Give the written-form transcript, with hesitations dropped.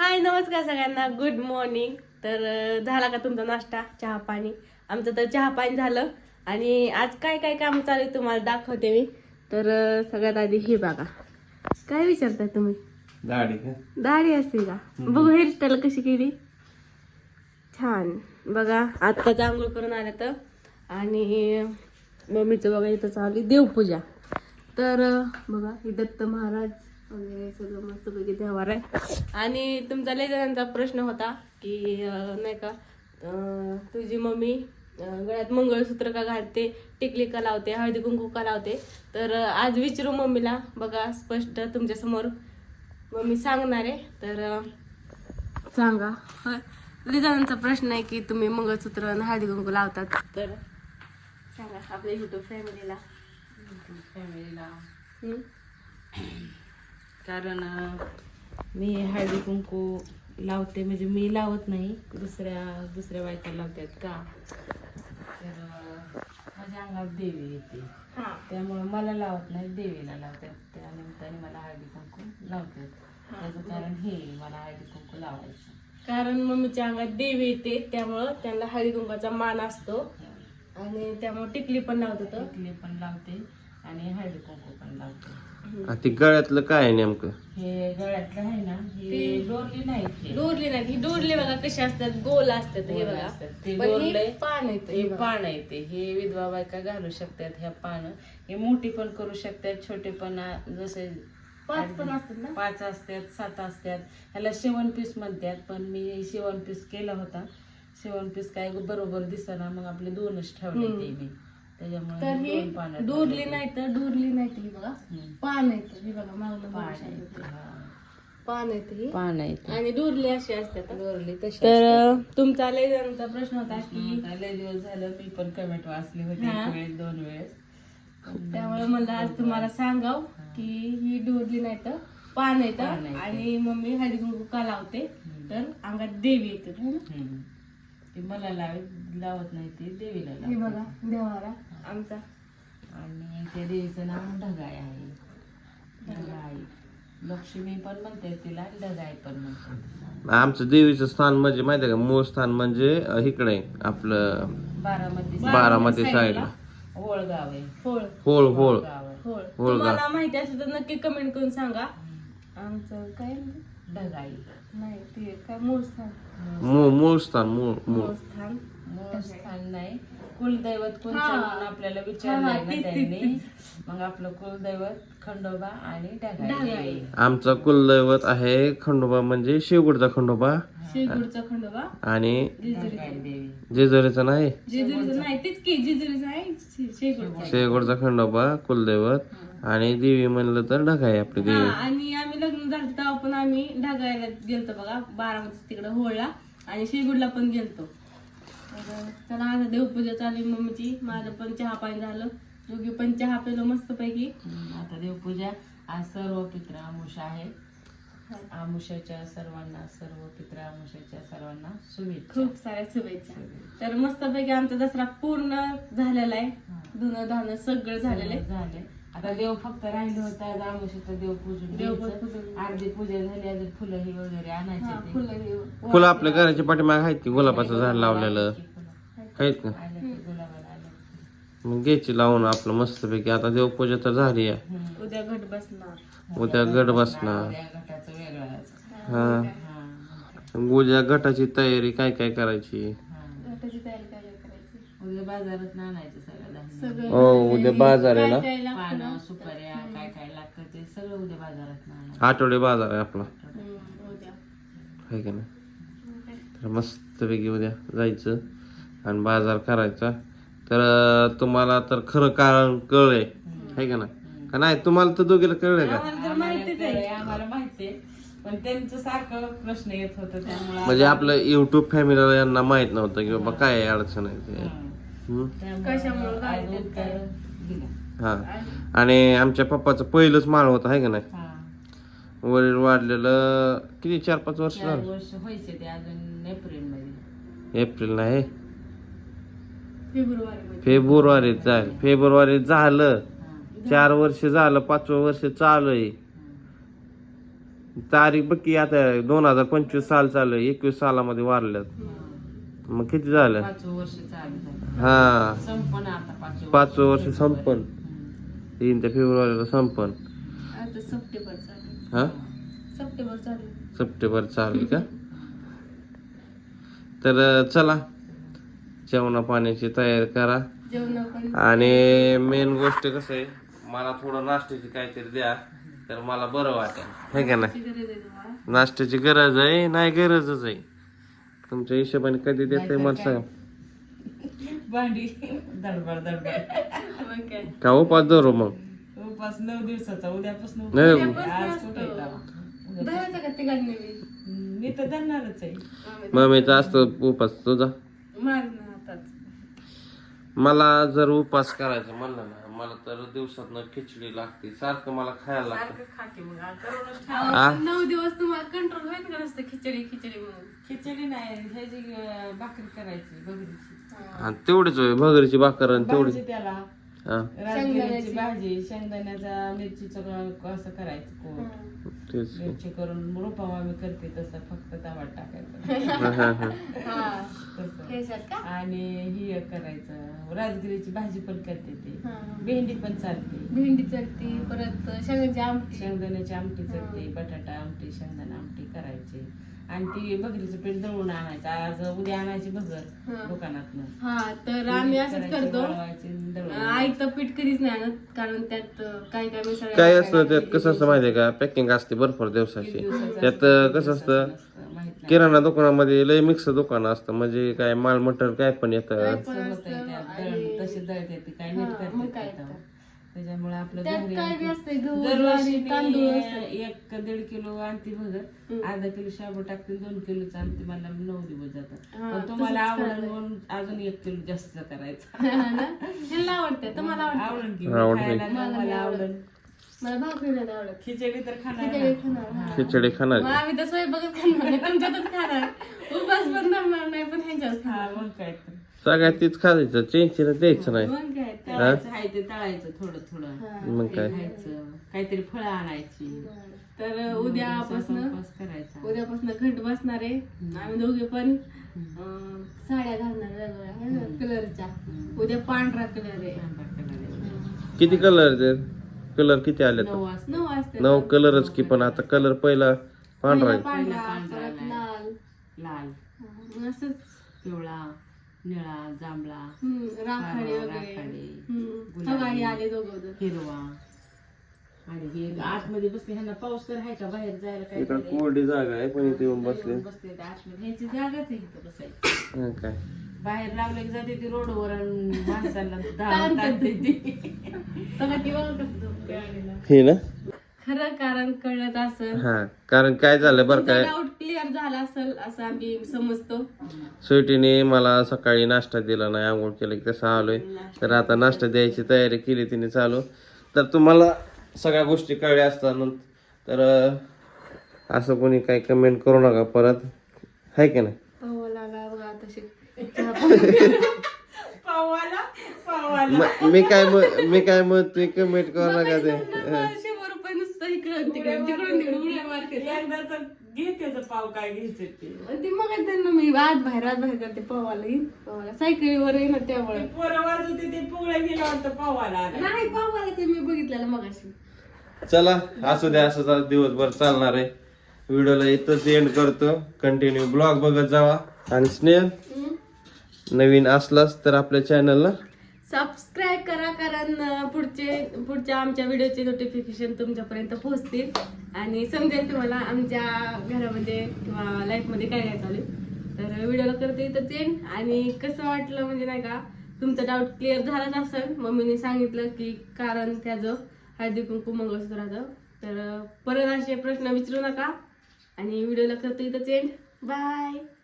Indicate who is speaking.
Speaker 1: हाय नमस्कार सगळ्यांना, good morning. तर झाला का तुमचा नाश्ता, चहा पाणी? आमचं तर चहा पाणी झालं. आणि आज काय काय काम चालू आहे तुम्हाला दाखवते मी. तर सगळ्यात आधी हे बघा. काय विचारताय तुम्ही?
Speaker 2: दाढी का?
Speaker 1: दाढी असते का? बघू हेअरस्टाईल कशी केली, छान. बघा आत्ताच आंघोळ करून आल्या तर. आणि मम्मीचं बघा इथं चालू देवपूजा. तर बघा हे दत्त महाराज वगैरे सगळं मस्तपैकी देवार आहे. आणि तुमचा लय जणांचा प्रश्न होता की नाही का तुझी मम्मी गळ्यात मंगळसूत्र का घालते, टिकली का लावते, हळदी कुंकू का लावते. तर आज विचारू मम्मीला. बघा स्पष्ट तुमच्या समोर मम्मी सांगणार आहे. तर सांगा. लय जणांचा प्रश्न आहे की तुम्ही मंगळसूत्र आणि हळदी कुंकू लावतात. तर सांगा आपल्या युट्यूब फॅमिलीला.
Speaker 3: कारण मी हळदी कुंकू लावते, म्हणजे मी लावत नाही, दुसऱ्या बायका लावतात का. तर माझ्या अंगात देवी येते, त्यामुळे मला लावत नाही, देवीला लावतात. त्या निमित्ताने मला हळदी कुंकू लावतात. त्याचं कारण हे मला हळदी कुंकू लावायचं.
Speaker 1: कारण मम्मीच्या अंगात देवी येते, त्यामुळं त्यांना हळदी कुंकाचा मान असतो. आणि त्यामुळे टिकली पण लावत होतं.
Speaker 3: टिकली पण लावते आणि हळदी कुंकू पण लावते.
Speaker 2: ते गळ्यातलं काय आहे नेमकं?
Speaker 3: हे गळ्यातलं आहे ना, हे डोरली नाही.
Speaker 1: डोरली नाही, ही डोरली बघा कशी असतात, गोल असतात. हे बघा
Speaker 3: ते
Speaker 1: पण
Speaker 3: डोरले
Speaker 1: हे पान येतं.
Speaker 3: हे पान येते, हे विधवा बायका घालू शकतात. ह्या पान हे मोठी पण करू शकतात, छोटे पण, जसे
Speaker 1: 5 पण असतात ना.
Speaker 3: 5 असतात, 7 असतात. ह्याला शेवण पीस म्हणतात. पण मी शेवण पीस केला होता. शेवण पीस काय बरोबर दिसना, मग आपले 2च ठेवले ते मी.
Speaker 1: तर
Speaker 3: त्याच्यामुळे
Speaker 1: हे
Speaker 3: 2 पानं
Speaker 1: डोरली नाही तर डोरली नाही तर हे बघा पान येतं. हे बघा मागलं पान येतं ही.
Speaker 3: पान येते
Speaker 1: आणि डोरली अशी असतात.
Speaker 3: डोरली तशी.
Speaker 1: तर तुमचा लय जणांचा प्रश्न होता की
Speaker 3: लय दिवस झालं मी पण कमेंट वाचली होती,
Speaker 1: हा.
Speaker 3: 1 वेळेस 2 वेळेस.
Speaker 1: त्यामुळे मला आज तुम्हाला सांगाव की ही डोरली नाही तर पान येतं.
Speaker 3: पान येतं.
Speaker 1: आणि मम्मी हळदी कुंकू का लावते, तर अंगात देवी येते. है ना?
Speaker 3: ते मला लावत नाही, ते देवीला
Speaker 1: हे
Speaker 3: लावते.
Speaker 1: बघा देवारा आमचा.
Speaker 3: आणि त्या देवीचं नाव ढगाई आहे. ढगाई लक्ष्मी पण म्हणते तिला, ढगाई पण म्हणतात.
Speaker 2: आमचं देवीचं स्थान म्हणजे माहिती आहे का, मूळ स्थान म्हणजे इकडे आहे, आपलं बारामती साईडला
Speaker 3: ओळगाव आहे.
Speaker 1: होळ
Speaker 2: होळ होळ
Speaker 3: गाव आहे.
Speaker 1: होळ.
Speaker 2: होळ
Speaker 1: तुम्हाला माहिती असेल तर नक्की कमेंट करून सांगा. आमचं काय
Speaker 3: ढगाई
Speaker 1: नाही, ते काय मूळ स्थान.
Speaker 2: मूळ स्थान मूळ
Speaker 1: मूळ स्थान
Speaker 3: मूळ स्थान नाही, कुलदैवत कोणतं
Speaker 1: हा.
Speaker 3: म्हणून आपल्याला विचारलंय ना
Speaker 1: तीच,
Speaker 3: त्यांनी. मग आपलं कुलदैवत खंडोबा आणि ढगाई.
Speaker 1: ढगाई.
Speaker 2: आमचं कुलदैवत आहे खंडोबा, म्हणजे शेवगडचा खंडोबा.
Speaker 1: शेगुडचा खंडोबा
Speaker 2: आणि
Speaker 3: ढगाई देवी.
Speaker 2: जेजुरीचा नाही,
Speaker 1: जेजुरीचं नाही, तेच की जेजुरीचं आहे शेगुडचा.
Speaker 2: शेवगडचा खंडोबा कुलदैवत. आणि देवी म्हणलं तर ढगाई आपली
Speaker 1: हा.
Speaker 2: देवी.
Speaker 1: आणि आम्ही लग्न झालं तेव्हा पण आम्ही ढगायला गेलतो बघा, बारामती तिकडे होळला. आणि शेगुडला पण गेलतो. तर चला आता देवपूजा चालू आहे मम्मीची. माझं पण चहा पाणी झालं, दोघी पण चहा पेलो मस्त पैकी.
Speaker 3: आता देवपूजा. आज सर्व पित्र आमुषा आहे. आमुषाच्या सर्वांना, सर्व पित्र आमुषाच्या सर्वांना शुभेच्छा.
Speaker 1: खूप साऱ्या शुभेच्छा. तर मस्त पैकी आमचा दसरा पूर्ण झालेला आहे. धुणं धाणं सगळं झालेलं आहे.
Speaker 3: झाले. आता देव फक्त राहिलं होतं, आज आमुषाचं देव पूजून
Speaker 1: देवपूजन.
Speaker 3: अर्धी पूजा झाली. अजून फुलं ही वगैरे आणायचे
Speaker 1: हा,
Speaker 3: ते.
Speaker 1: फुलं हे.
Speaker 2: फुलं आपल्या घराच्या पाठीमागे आहेत की, गुलाबाचं झाड लावलेलं आहेत का,
Speaker 3: आलं की गुलाबाला आलं.
Speaker 2: मग घ्यायची लावून आपलं मस्तपैकी. आता देवपूजा तर झाली आहे,
Speaker 1: उद्या घट बसणार.
Speaker 2: उद्या गड बसणार.
Speaker 3: या घटाचं वेगळंच.
Speaker 2: हा,
Speaker 3: हा.
Speaker 2: उद्या गटाची तयारी काय काय करायची.
Speaker 3: हा.
Speaker 1: घटाची तयारी काय करायची.
Speaker 3: उद्या बाजारात आणायचं सगळं धान्य.
Speaker 1: सगळं
Speaker 2: हो, उद्या बाजार आहे ना,
Speaker 1: काय काय लागतं ना.
Speaker 3: पानं, सुपाऱ्या, काय काय लागतं ते सगळं उद्या बाजारात आणायचं.
Speaker 2: आठवडे बाजार आहे आपला,
Speaker 1: उद्या
Speaker 2: आहे का नाही. तर मस्तपैकी उद्या जायचं आणि बाजार करायचा. तर तुम्हाला तर खरं कारण कळलंय, आहे का नाही, का नाही तुम्हाला तर दोघीला कळलंय का.
Speaker 1: आम्हाला तर माहितीच आहे.
Speaker 3: आम्हाला माहितीये, पण त्यांचं सारखं प्रश्न येत होतं, त्यामुळे
Speaker 2: म्हणजे आपलं युट्यूब फॅमिलीला यांना माहित नव्हतं की बाबा काय अडचण आहे ते.
Speaker 1: कशामुळं
Speaker 3: आज
Speaker 1: काय
Speaker 3: उत्तर दिलं.
Speaker 2: हा. आणि आमच्या पप्पाचं पहिलंच माळ होतं, आहे का नाही.
Speaker 3: हा.
Speaker 2: वडील वाढलेलं किती 4-5 वर्ष
Speaker 3: 4
Speaker 2: झालं.
Speaker 3: वर्ष व्हायचे ते अजून एप्रिल मध्ये.
Speaker 2: एप्रिल नाही,
Speaker 1: फेब्रुवारी
Speaker 2: फेब्रुवारी झालं. 4 वर्ष झालं, 5वं वर्ष चालू आहे. तारीख बघ की आता 2025 साल चालू आहे, 21 सालामध्ये वारल्यात. मग किती झालं?
Speaker 3: 5 वर्ष चालू झालं.
Speaker 2: हा
Speaker 3: संपण आता
Speaker 2: 5 वर्ष संपन, 3 फेब्रुवारीला संपन.
Speaker 1: आता सप्टेंबर चालू
Speaker 2: हा
Speaker 1: सप्टेंबर चालू
Speaker 2: सप्टेंबर चालू का? तर चला जेवणा पाण्याची तयारी करा.
Speaker 1: जेवण पण
Speaker 2: आणि मेन गोष्ट कसं आहे, मला थोडं नाश्त्याची काहीतरी द्या तर मला बरं वाटेल, हे का नाही?
Speaker 1: गरज आहे तुम्हाला.
Speaker 2: नाश्त्याची गरज आहे, नाही गरजच आहे. तुमच्या हिशोबाने कधी देते मला सांगा.
Speaker 3: भांडी दडबड
Speaker 1: मग काय
Speaker 2: का उपास धरू मग?
Speaker 3: उपास 9 दिवसाचा, उद्यापासून
Speaker 2: नाही.
Speaker 3: उपास. आज कुठे येतात?
Speaker 1: धरायचं का तिघांनी बी?
Speaker 3: मी तर धरणारच आहे.
Speaker 2: मम्मीचा असतो उपास, तुझा?
Speaker 1: मार ना हातात.
Speaker 2: मला जर उपास करायचं म्हणलं ना, मला तर दिवसातनं खिचडी लागते, सारखं मला खायला लागतं.
Speaker 3: सारखं खाते मग आज करूनच ठेव.
Speaker 2: आ?
Speaker 1: 9 दिवस तुम्हाला कंट्रोल व्हायचं का नसतं खिचडी खिचडी म्हणून?
Speaker 3: खिचडी नाही, ह्याची भाकरी करायची बघरीची.
Speaker 2: आणि तेवढीच होय, भगरीची भाकर आणि तेवढीच.
Speaker 3: भाजी त्याला
Speaker 2: हा
Speaker 3: राजगिरीची भाजी, शेंगदाण्याचा मिरचीचं असं करायचं कोळ.
Speaker 2: तेच.
Speaker 3: मिरची करून रोपा आम्ही करते तसं, फक्त टमाट टाकायचं
Speaker 2: हा, हा, हा.
Speaker 1: हा
Speaker 3: तसं.
Speaker 1: ह्याच्यात का?
Speaker 3: आणि ही एक करायचं, राजगिरीची भाजी पण करते ते.
Speaker 1: हा.
Speaker 3: भेंडी पण चालते,
Speaker 1: भेंडी चलती, परत शेंगाची आमटी.
Speaker 3: शेंगदाण्याची आमटी चालते, बटाटा आमटी, शेंगदाणा आमटी करायची. आणि ती भगरीचं पीठ दळून आणायचं, आज उद्या आणायची भगर
Speaker 1: हा.
Speaker 3: दुकानातनं.
Speaker 1: हा तर आम्ही असंच करतो.
Speaker 3: वळवायची, दळून
Speaker 1: आईचं पीठ कधीच नाही आणत, कारण त्यात काय काय मिसळ
Speaker 2: काय असतं त्यात, कसं असतं माहितीये का, पॅकिंग असते भरपूर दिवसाची. त्यात कसं असतं,
Speaker 3: माहित नाही.
Speaker 2: किराणा दुकानामध्ये लय मिक्स दुकान असतं, म्हणजे काय माल मटेरियल काय पण येतं.
Speaker 3: असं होतंय त्यात, दळण तशी दळते ती, काय नीट
Speaker 1: हा, मग काय
Speaker 3: करते
Speaker 1: तर.
Speaker 3: त्याच्यामुळे आपलं
Speaker 1: त्यात
Speaker 3: घरी
Speaker 1: काय बी असतंय, गहू,
Speaker 3: दरवर्षी
Speaker 1: ज्वारी, तांदूळ असतं.
Speaker 3: 1-1.5 किलो आणते भगर, अर्धा किलो शाबू टाकते, 2 किलोच आणते, मला 9 दिवस जातात.
Speaker 1: हा,
Speaker 3: पण तुम्हाला
Speaker 1: तसंच
Speaker 3: आवडलं म्हणून अजून 1 किलो जास्त करायचं.
Speaker 1: ह्यांना आवडते, तुम्हाला आवडते?
Speaker 3: आवडलं की
Speaker 2: आवडते.
Speaker 3: खायला मला आवडलं.
Speaker 1: मला भाकरी नाही आवडत.
Speaker 3: खिचडी तर खाणार
Speaker 1: खिचडी
Speaker 3: ना.
Speaker 1: खाणार. हा.
Speaker 2: खिचडी खाणार.
Speaker 1: मग आम्ही तर स्वयंपाकच खाणार नाही, तुमच्यातच खाणार. उपास पण थांबणार नाही, पण ह्यांच्याच
Speaker 3: हा,
Speaker 1: खाणार.
Speaker 3: मग काय तर.
Speaker 2: सगळ्यात तीच खायचं, चेंजला द्यायचं नाही.
Speaker 1: मग काय तर.
Speaker 3: तळायचं आहे ते तळायचं थोडं थोडं.
Speaker 1: हा.
Speaker 2: मग काय.
Speaker 3: खायचं, काहीतरी फळं आणायची.
Speaker 1: तर उद्यापासून
Speaker 3: उपवास करायचा.
Speaker 1: उद्यापासून घट बसणार आहे. आम्ही दोघे पण साड्या घालणार वेगवेगळ्या है ना, कलरच्या. उद्या पांढरा कलर आहे.
Speaker 2: किती कलर ते? कलर किती आले?
Speaker 3: 9 वाजता
Speaker 1: 9 वाजता
Speaker 2: 9 कलरच की, पण आता कलर पहिला पांढरा आहे.
Speaker 1: पांढरा,
Speaker 3: पांढरा
Speaker 1: परत लाल.
Speaker 3: लाल,
Speaker 1: मग असंच
Speaker 3: पिवळा, निळा, जांभळा,
Speaker 1: राखाडी वगैरे.
Speaker 3: राखाडी,
Speaker 1: सगळी आले दोघं.
Speaker 3: हिरवा. आणि हे आतमध्ये बसले, ह्यांना पाऊस तर आहे का बाहेर जायला काय
Speaker 2: इकडे कोरडी जागा आहे, पण इथे येऊन बसले.
Speaker 3: बसले ते आतमध्ये, ह्यांची जागाच आहे इथं बसायची.
Speaker 2: हा काय.
Speaker 3: बाहेर लावलं की जाते ती रोडवर आणि माणसाला धावून टाकते ती.
Speaker 1: सगळं ती बघा कसं झोपते आलेलं.
Speaker 2: हे ना.
Speaker 1: खरं कारण कळत असेल,
Speaker 2: हा, कारण काय झालं बरं काय,
Speaker 1: डाऊट क्लिअर झाला असेल असं आम्ही समजतो.
Speaker 2: स्वीटीने मला सकाळी नाश्ता दिला नाही, आंघोळ केलं की तसं आलोय. तर आता नाश्ता द्यायची तयारी केली तिने चालू. तर तुम्हाला सगळ्या गोष्टी कळल्या असतात, तर असं कोणी काही कमेंट करू नका परत, आहे की नाही?
Speaker 1: पावा लागा बघा तशी.
Speaker 3: पावाला पावाला
Speaker 2: मी काय म्हणतोय, कमेंट करू नका ते.
Speaker 1: 100 रुपये नुसतं इकडून तिकडून तिकडे उड्या मारते.
Speaker 3: एकदाच घे त्याचं पाव, काय घ्यायचे ते.
Speaker 1: ती मग त्यांना मी आत बाहेर करते पावाला येईन. पावाला सायकलीवर येईन त्यामुळे
Speaker 3: पोरं वाजवते ते पुगळ्या गेलं वाटतं पावाला आला.
Speaker 1: नाही, पावाला ते मी बघितलेलं मगाशी.
Speaker 2: चला असू द्या, असंच आज दिवसभर चालणार आहे. व्हिडिओला इथंच एंड करतो. कंटिन्यू ब्लॉग बघत जावा. आणि स्नेह नवीन असलास तर आपल्या चॅनलला
Speaker 1: सबस्क्राईब करा, कारण पुढच्या आमच्या व्हिडिओचे नोटिफिकेशन तुमच्यापर्यंत पोहोचतील आणि समजेल तुम्हाला आमच्या घरामध्ये किंवा लाईफमध्ये काय काय चालू आहे. तर व्हिडिओला करते इथंच एंड. आणि कसं वाटलं म्हणजे नाही का, तुमचा डाऊट क्लिअर झालाच असेल. मम्मीने सांगितलं की कारण त्याचं हळदी कुंकू मंगळसूत्राचं. तर परत असे प्रश्न विचारू नका आणि व्हिडिओला करते इथंच एंड. बाय.